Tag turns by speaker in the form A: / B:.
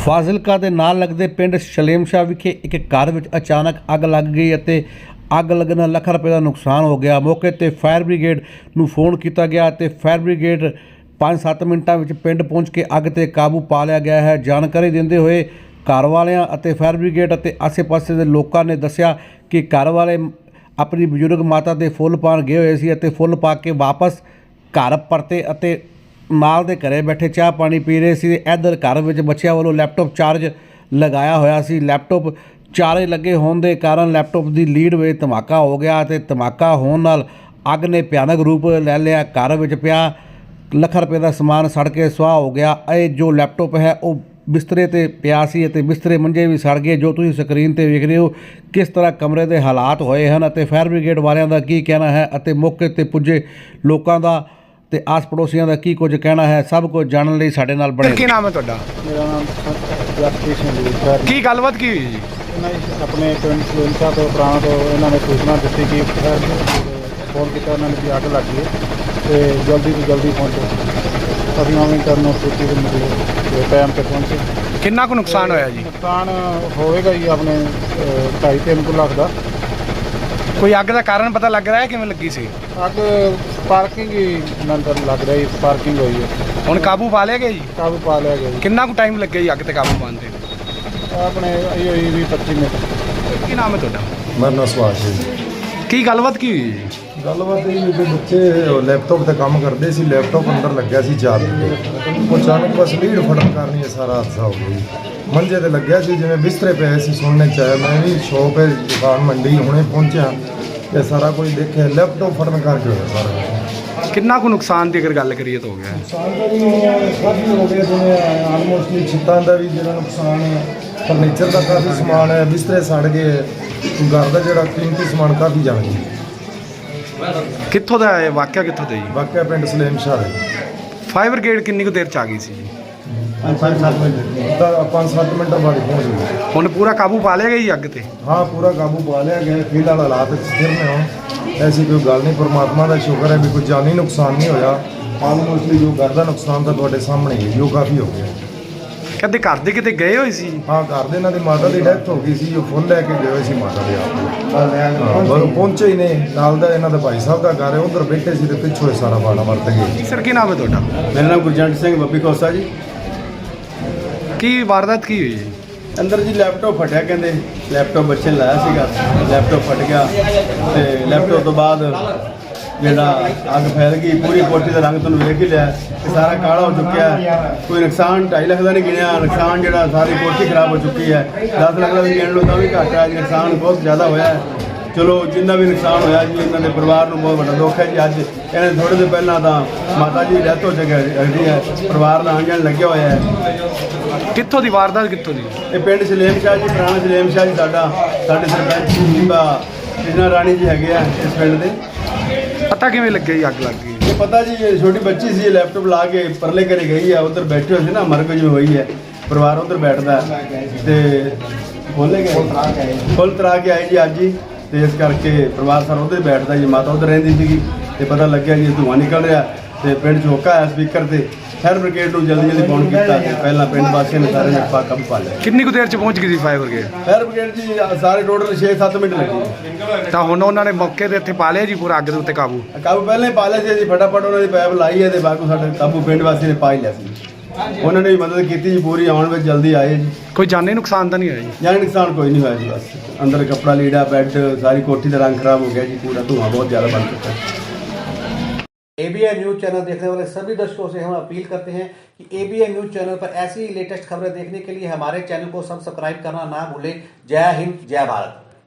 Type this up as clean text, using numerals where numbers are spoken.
A: ਫਾਜ਼ਿਲਕਾ ਦੇ ਨਾਲ ਲੱਗਦੇ ਪਿੰਡ ਸ਼ਲੇਮਸ਼ਾਹ ਵਿਖੇ ਇੱਕ ਘਰ ਵਿੱਚ ਅਚਾਨਕ ਅੱਗ ਲੱਗ ਗਈ ਅਤੇ ਅੱਗ ਲੱਗਣ ਨਾਲ ਲੱਖਾਂ ਰੁਪਏ ਦਾ ਨੁਕਸਾਨ ਹੋ ਗਿਆ। ਮੌਕੇ ਤੇ ਫਾਇਰ ਬ੍ਰਿਗੇਡ ਨੂੰ ਫੋਨ ਕੀਤਾ ਗਿਆ ਤੇ ਫਾਇਰ ਬ੍ਰਿਗੇਡ 5-7 ਮਿੰਟਾਂ ਵਿੱਚ ਪਿੰਡ ਪਹੁੰਚ ਕੇ ਅੱਗ ਤੇ ਕਾਬੂ ਪਾ ਲਿਆ ਗਿਆ ਹੈ। ਜਾਣਕਾਰੀ ਦਿੰਦੇ ਹੋਏ ਘਰ ਵਾਲਿਆਂ ਅਤੇ ਫਾਇਰ ਬ੍ਰਿਗੇਡ ਅਤੇ ਆਸੇ-ਪਾਸੇ ਦੇ ਲੋਕਾਂ ਨੇ ਦੱਸਿਆ ਕਿ ਘਰ ਵਾਲੇ ਆਪਣੀ ਬਜ਼ੁਰਗ ਮਾਤਾ ਦੇ ਫੁੱਲ ਪਾਉਣ ਗਏ ਹੋਏ ਸੀ ਅਤੇ ਫੁੱਲ ਪਾ ਕੇ ਵਾਪਸ ਘਰ ਪਰਤੇ ਅਤੇ ਨਾਲ ਦੇ ਘਰੇ ਬੈਠੇ ਚਾਹ ਪਾਣੀ ਪੀ ਰਹੇ ਸੀ। ਇੱਧਰ ਘਰ ਵਿੱਚ ਬੱਚਿਆਂ ਵੱਲੋਂ ਲੈਪਟਾਪ ਚਾਰਜ ਲਗਾਇਆ ਹੋਇਆ ਸੀ। ਲੈਪਟਾਪ ਚਾਰੇ ਲੱਗੇ ਹੋਣ ਦੇ ਕਾਰਨ ਲੈਪਟਾਪ ਦੀ ਲੀਡ ਵਿੱਚ ਧਮਾਕਾ ਹੋ ਗਿਆ ਅਤੇ ਧਮਾਕਾ ਹੋਣ ਨਾਲ ਅੱਗ ਨੇ ਭਿਆਨਕ ਰੂਪ ਲੈ ਲਿਆ। ਘਰ ਵਿੱਚ ਪਿਆ ਲੱਖਾਂ ਰੁਪਏ ਦਾ ਸਮਾਨ ਸੜ ਕੇ ਸੁਆਹ ਹੋ ਗਿਆ। ਇਹ ਜੋ ਲੈਪਟਾਪ ਹੈ ਉਹ ਬਿਸਤਰੇ ਤੇ ਪਿਆ ਸੀ ਅਤੇ ਬਿਸਤਰੇ ਮੰਜੇ ਵੀ ਸੜ ਗਏ। ਜੋ ਤੁਸੀਂ ਸਕਰੀਨ ਤੇ ਵੇਖ ਰਹੇ ਹੋ ਕਿਸ ਤਰ੍ਹਾਂ ਕਮਰੇ ਦੇ ਹਾਲਾਤ ਹੋਏ ਹਨ ਅਤੇ ਫਾਇਰ ਬ੍ਰਿਗੇਡ ਵਾਲਿਆਂ ਦਾ ਕੀ ਕਹਿਣਾ ਹੈ ਅਤੇ ਮੌਕੇ ਤੇ ਪੁੱਜੇ ਲੋਕਾਂ ਦਾ ਤੇ ਆਸ ਪੜੋਸੀਆਂ ਦਾ ਕੀ ਕੁਝ ਕਹਿਣਾ ਹੈ, ਸਭ ਕੁਝ ਜਾਣਨ ਲਈ ਸਾਡੇ ਨਾਲ ਬਣੇ।
B: ਕੀ ਨਾਮ ਹੈ ਤੁਹਾਡਾ?
C: ਮੇਰਾ ਨਾਮ ਜਸਪ੍ਰੀਤ ਸਿੰਘ ਜੀ।
B: ਕੀ ਗੱਲਬਾਤ ਕੀ ਹੋਈ ਜੀ?
C: ਇਹਨਾਂ ਨੇ ਆਪਣੇ ਪਿੰਡ ਸਲੇਮਸ਼ਾਹ ਤੋਂ ਪੁਰਾਣਾ ਤੋਂ ਇਹਨਾਂ ਨੇ ਸੂਚਨਾ ਦਿੱਤੀ ਕਿ ਫੋਨ ਕੀਤਾ ਇਹਨਾਂ ਨੇ ਕਿ ਅੱਗ ਲੱਗ ਗਈ ਅਤੇ ਜਲਦੀ ਤੋਂ ਜਲਦੀ ਪਹੁੰਚੋ। ਅਸੀਂ ਉਵੇਂ ਕਰਨ ਸੋਚੀ ਦੇ ਮਤਲਬ ਟਾਈਮ 'ਤੇ ਪਹੁੰਚੇ।
B: ਕਿੰਨਾ ਕੁ ਨੁਕਸਾਨ ਹੋਇਆ ਜੀ?
C: ਨੁਕਸਾਨ ਹੋਵੇਗਾ ਜੀ ਆਪਣੇ 2.5-3 ਲੱਖ ਦਾ।
B: ਕੋਈ ਅੱਗ ਦਾ ਕਾਰਨ ਪਤਾ ਲੱਗ ਰਿਹਾ ਹੈ ਕਿਵੇਂ ਲੱਗੀ ਸੀ?
C: ਅੱਗ ਪਾਰਕਿੰਗ ਹੀ ਨੰਦਰ ਲੱਗ ਰਿਹਾ ਜੀ, ਪਾਰਕਿੰਗ ਹੋਈ ਹੈ।
B: ਹੁਣ ਕਾਬੂ ਪਾ ਲਿਆ ਗਿਆ ਜੀ?
C: ਕਾਬੂ ਪਾ ਲਿਆ ਗਿਆ ਜੀ।
B: ਕਿੰਨਾ ਕੁ ਟਾਈਮ ਲੱਗਿਆ ਜੀ ਅੱਗ ਤੇ ਕਾਬੂ ਪਾਉਣ ਤੇ?
C: ਆਪਣੇ ਇਹ 20-25 ਮਿੰਟ।
B: ਕੀ ਨਾਮ ਹੈ ਤੁਹਾਡਾ?
D: ਮੇਰਾ ਨਾਮ ਸੁਭਾਸ਼ ਹੈ ਜੀ।
B: ਕੀ ਗੱਲਬਾਤ ਕੀ ਹੋਈ ਜੀ?
D: ਗੱਲਬਾਤ ਇਹ ਕਿ ਬੱਚੇ ਲੈਪਟਾਪ ਤੇ ਕੰਮ ਕਰਦੇ ਸੀ, ਲੈਪਟਾਪ ਅੰਦਰ ਲੱਗਿਆ ਸੀ ਚਾਰਜ ਤੇ ਉਹ ਅਚਾਨਕ ਬਸ ਲੀਡ ਫੜਨ ਕਾਰਨ ਇਹ ਸਾਰਾ ਹਾਦਸਾ ਹੋ ਗਿਆ ਜੀ। ਮੰਜੇ ਤੇ ਲੱਗਿਆ ਸੀ, ਜਿਵੇਂ ਬਿਸਤਰੇ ਪਏ ਸੀ, ਸੁਣਨੇ ਚ ਆਇਆ। ਮੈਂ ਵੀ ਸ਼ੌਪ ਹੈ ਦੁਕਾਨ ਮੰਡੀ ਹੁਣੇ ਪਹੁੰਚਿਆ ਤੇ ਸਾਰਾ ਕੁਝ ਦੇਖਿਆ, ਲੈਪਟਾਪ ਫੜਨ ਕਰਕੇ ਹੋਇਆ ਸਾਰਾ ਕੁਛ।
B: ਕਿੰਨਾ ਕੁ ਨੁਕਸਾਨ ਦੀ ਅਗਰ ਗੱਲ ਕਰੀਏ ਤਾਂ ਹੋ ਗਿਆ?
D: ਨੁਕਸਾਨ ਦਾ ਵੀ ਕਾਫੀ ਹੋ ਗਿਆ, ਜਿਵੇਂ ਆਲਮੋਸਟਲੀ ਛੱਤਾਂ ਦਾ ਵੀ ਜਿਹੜਾ ਨੁਕਸਾਨ ਹੈ, ਫਰਨੀਚਰ ਦਾ ਕਾਫੀ ਸਮਾਨ ਹੈ, ਬਿਸਤਰੇ ਸੜ ਗਏ, ਘਰ ਦਾ ਜਿਹੜਾ ਕੀਮਤੀ ਸਮਾਨ ਕਾਫੀ ਜਲ ਗਿਆ।
B: ਕਿੱਥੋਂ ਦਾ ਹੈ ਵਾਕਿਆ? ਕਿੱਥੋਂ ਦਾ ਜੀ?
D: ਵਾਕਿਆ ਪਿੰਡ ਸਲੇਮਸ਼ਾਹ ਦੇ।
B: ਫਾਇਰ ਬ੍ਰਿਗੇਡ ਕਿੰਨੀ ਕੁ ਦੇਰ ਚ ਆ ਗਈ ਸੀ ਜੀ?
D: 5-7 ਮਿੰਟ ਬਾਅਦ ਪਹੁੰਚ ਗਏ।
B: ਹੁਣ ਪੂਰਾ ਕਾਬੂ ਪਾ ਲਿਆ ਗਿਆ ਜੀ ਅੱਗ ਤੇ?
D: ਹਾਂ, ਪੂਰਾ ਕਾਬੂ ਪਾ ਲਿਆ ਗਿਆ। ਫਿਲਹਾਲ ਹਾਲਾਤ ਸਥਿਰ ਨੇ। ਹੁਣ ਐਸੀ ਕੋਈ ਗੱਲ ਨਹੀਂ, ਪਰਮਾਤਮਾ ਦਾ ਸ਼ੁਕਰ ਹੈ ਵੀ ਕੋਈ ਜਾਨੀ ਨੁਕਸਾਨ ਨਹੀਂ ਹੋਇਆ। ਆਲਮੋਸਟਲੀ ਜੋ ਘਰ ਦਾ ਨੁਕਸਾਨ ਤਾਂ ਤੁਹਾਡੇ ਸਾਹਮਣੇ ਹੀ ਹੈ, ਜੋ ਕਾਫੀ ਹੋ ਗਿਆ।
B: ਕਦੇ ਘਰ ਦੇ ਕਿਤੇ ਗਏ ਹੋਏ ਸੀ?
D: ਹਾਂ, ਘਰ ਦੇ ਇਹਨਾਂ ਦੀ ਮਾਤਾ ਦੀ ਡੈਥ ਹੋ ਗਈ ਸੀ, ਉਹ ਫੁੱਲ ਲੈ ਕੇ ਗਏ ਹੋਏ ਸੀ ਮਾਤਾ ਦੇ ਆਪ। ਪਰ ਉਹ ਪਹੁੰਚੇ ਹੀ ਨੇ। ਨਾਲ ਦਾ ਇਹਨਾਂ ਦਾ ਭਾਈ ਸਾਹਿਬ ਦਾ ਘਰ ਹੈ, ਉਧਰ ਬੈਠੇ ਸੀ ਤੇ ਪਿੱਛੋਂ ਇਹ ਸਾਰਾ ਬਾਣਾ ਵਰਤ ਗਏ।
B: ਸਰ ਕੀ ਨਾਮ ਹੈ ਤੁਹਾਡਾ?
E: ਮੇਰਾ ਨਾਮ ਗੁਰਜੰਟ ਸਿੰਘ ਬੱਬੀ ਕੋਸਾ ਜੀ।
B: ਕੀ ਵਾਰਦਾਤ ਕੀ ਹੋਈ ਜੀ?
E: ਅੰਦਰ ਜੀ ਲੈਪਟਾਪ ਫਟਿਆ, ਕਹਿੰਦੇ ਲੈਪਟਾਪ ਬੱਚੇ ਨੇ ਲਾਇਆ ਸੀਗਾ, ਲੈਪਟਾਪ ਫਟ ਗਿਆ ਤੇ ਲੈਪਟਾਪ ਤੋਂ ਬਾਅਦ ਜਿਹੜਾ ਅੱਗ ਫੈਲ ਗਈ। ਪੂਰੀ ਕੋਠੀ ਦਾ ਰੰਗ ਤੁਹਾਨੂੰ ਵੇਖ ਹੀ ਲਿਆ ਕਿ ਸਾਰਾ ਕਾਲਾ ਹੋ ਚੁੱਕਿਆ। ਕੋਈ ਨੁਕਸਾਨ 2.5 ਲੱਖ ਦਾ ਨਹੀਂ ਗਿਣਿਆ, ਨੁਕਸਾਨ ਜਿਹੜਾ ਸਾਰੀ ਕੋਠੀ ਖਰਾਬ ਹੋ ਚੁੱਕੀ ਹੈ। 10 ਲੱਖ ਦਾ ਵੀ ਗਿਣ ਲਓ ਤਾਂ ਵੀ ਘੱਟ ਹੈ। ਨੁਕਸਾਨ ਬਹੁਤ ਜ਼ਿਆਦਾ ਹੋਇਆ ਹੈ। ਚਲੋ ਜਿੰਨਾ ਵੀ ਨੁਕਸਾਨ ਹੋਇਆ ਜੀ, ਇਹਨਾਂ ਦੇ ਪਰਿਵਾਰ ਨੂੰ ਬਹੁਤ ਵੱਡਾ ਦੁੱਖ ਹੈ ਜੀ। ਅੱਜ ਇਹਨਾਂ ਥੋੜ੍ਹੇ ਦਿਨ ਪਹਿਲਾਂ ਤਾਂ ਮਾਤਾ ਜੀ ਦੀ ਡੈਥ ਹੋ ਚੁੱਕੀ ਹੈ। ਪਰਿਵਾਰ ਦਾ ਆਉਣ ਜਾਣ ਲੱਗਿਆ ਹੋਇਆ ਹੈ।
B: ਕਿੱਥੋਂ ਦੀ ਵਾਰਦਾਤ? ਕਿੱਥੋਂ ਦੀ?
E: ਇਹ ਪਿੰਡ ਸਲੇਮਸ਼ਾਹ ਜੀ, ਪੁਰਾਣਾ ਸਲੇਮਸ਼ਾਹ ਜੀ। ਸਾਡੇ ਸਰਪੰਚ ਬੀਬਾ ਕ੍ਰਿਸ਼ਨਾ ਰਾਣੀ ਜੀ ਹੈਗੇ ਆ ਇਸ ਪਿੰਡ ਦੇ।
B: ਪਤਾ ਕਿਵੇਂ ਲੱਗਿਆ ਜੀ ਅੱਗ ਲੱਗ ਗਈ?
E: ਇਹ ਪਤਾ ਜੀ, ਇਹ ਛੋਟੀ ਬੱਚੀ ਸੀ, ਲੈਪਟਾਪ ਲਾ ਕੇ ਪਰਲੇ ਘਰੇ ਗਈ ਆ। ਉੱਧਰ ਬੈਠੇ ਹੋਏ ਸੀ ਨਾ, ਮਰਗ ਜਿਵੇਂ ਹੋਈ ਹੈ, ਪਰਿਵਾਰ ਉੱਧਰ ਬੈਠਦਾ ਤੇ ਫੁੱਲ ਤਰਾ ਕੇ ਆਏ ਜੀ ਅੱਜ ਹੀ। ਤੇ ਇਸ ਕਰਕੇ ਪਰਿਵਾਰ ਸਾਰਾ ਉੱਧਰ ਬੈਠਦਾ ਜੀ। ਮਾਤਾ ਉੱਧਰ ਰਹਿੰਦੀ ਸੀਗੀ ਤੇ ਪਤਾ ਲੱਗਿਆ ਜੀ ਧੂੰਆਂ ਨਿਕਲ ਰਿਹਾ ਤੇ ਪਿੰਡ 'ਚ ਹੋਕਾ ਆਇਆ ਸਪੀਕਰ ਤੇ। ਫਾਇਰ ਬ੍ਰਿਗੇਡ ਨੂੰ ਜਲਦੀ ਫੋਨ ਕੀਤਾ ਤੇ ਪਹਿਲਾਂ ਪਿੰਡ ਵਾਸੀਆਂ ਨੇ ਸਾਰੇ ਨੇ ਕਾਬੂ ਪਾ ਲਿਆ।
B: ਕਿੰਨੀ ਕੁ ਦੇਰ ਚ ਪਹੁੰਚ ਗਈ ਸੀ ਫਾਇਰ ਬ੍ਰਿਗੇਡ?
E: ਫਾਇਰ ਬ੍ਰਿਗੇਡ ਜੀ ਸਾਰੇ ਟੋਟਲ 6-7 ਮਿੰਟ ਲੱਗੇ।
B: ਤਾਂ ਹੁਣ ਉਹਨਾਂ ਨੇ ਮੌਕੇ ਤੇ ਇੱਥੇ ਪਾ ਲਿਆ ਜੀ ਪੂਰਾ ਅੱਗ ਦੇ ਉੱਤੇ ਕਾਬੂ?
E: ਕਾਬੂ ਪਹਿਲਾਂ ਹੀ ਪਾ ਲਿਆ ਸੀ ਜੀ। ਫਟਾਫਟ ਉਹਨਾਂ ਦੀ ਪੈਪ ਲਾਈ ਹੈ ਤੇ ਬਾਕੀ ਸਾਡੇ ਕਾਬੂ ਪਿੰਡ ਵਾਸੀ ਨੇ ਪਾ ਹੀ ਲਿਆ ਸੀ। ਉਹਨਾਂ ਨੇ ਵੀ ਮਦਦ ਕੀਤੀ ਜੀ ਪੂਰੀ, ਆਉਣ ਵਿੱਚ ਜਲਦੀ ਆਏ ਜੀ।
B: ਕੋਈ ਜਾਨੀ ਨੁਕਸਾਨ ਤਾਂ ਨਹੀਂ ਹੋਇਆ ਜੀ?
E: ਜਾਨੀ ਨੁਕਸਾਨ ਕੋਈ नहीं हुआ जी। बस अंदर कपड़ा लीड़ा बेड सारी कोठी का रंग खराब हो गया जी। पूरा धुआं बहुत ज़्यादा बन चुका है।
A: ABN न्यूज़ चैनल देखने वाले सभी दर्शकों से हम अपील करते हैं कि ABN न्यूज़ चैनल पर ऐसी लेटेस्ट खबरें देखने के लिए हमारे चैनल को सब्सक्राइब करना ना भूलें। जय हिंद, जय भारत।